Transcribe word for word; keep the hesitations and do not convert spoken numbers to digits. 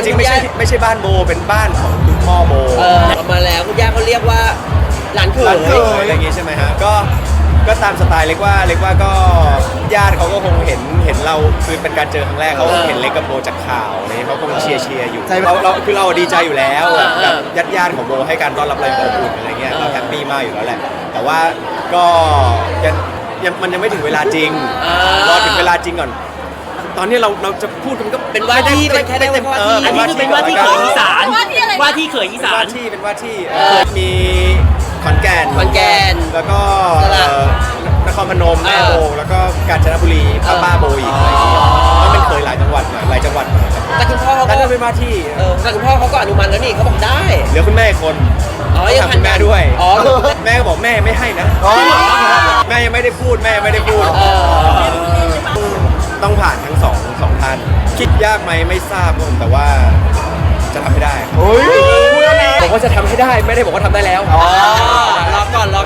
จริงๆไม่ใช่ไม่ใช่บ้านโบเป็นบ้านของคุณพ่อโบเออออกมาแล้วคุณย่าเขาเรียกว่าหลานเขยร้านเคยอะไรอย่างงี้ใช่ไหมฮะก็ก็ตามสไตล์เล็กว่าเล็กว่าก็ญาติเขาก็คงเห็นเห็นเราคือเป็นการเจอครั้งแรกเขาเห็นเล็กกับโบจากข่าวอะไรเขาคงเชียร์เชียร์อยู่เราเราคือเราดีใจอยู่แล้วแบบญาติญาติของโบให้การต้อนรับเราอย่างอบอุ่นอะไรเงี้ยเราแฮปปี้มากอยู่แล้วแหละแต่ว่าก็ยังยังมันยังไม่ถึงเวลาจริงรอถึงเวลาจริงก่อนตอนนี้เราเราจะพูดมันก็เป็นว่าที่เป็นแค่ได้ว่าเอที่ออันนี้คือเป็นว่าที่เขยอีสานว่าที่เขยอีเป็นสาว่าน ที่เป็นว่าที่เอ่อมีขอนแก่นขอนแก่นแล้วก็สระเอ่อนครพนมแม่โบเออแล้วก็กาญจนบุรีป้าป้าโบอีกอะไรอย่างเงี้ยก็เป็นเคยหลายจังหวัดหน่อยหลายจังหวัดหน่อยครับแต่คุณพ่อเขาแต่ก็ก็เป็นว่าที่เออแต่คุณพ่อเขาก็อนุมัติแล้วนี่เขาบอกได้เหลือคุณแม่อีกคนอ๋อต้ยัองงถามคุณแม่ด้วยอ๋อแม่ก็บอกแม่ไม่ให้นะแม่ยังไม่ได้พูดแม่ยังไม่ได้พูดเออต้องผ่านทั้งสองสองท่านคิดยากไหมไม่ทราบครับผมแต่ว่าจะทำให้ได้ครับผมว่าจะทำให้ได้ไม่ได้บอกว่าทำได้แล้วอ๋อรอก่อนรอ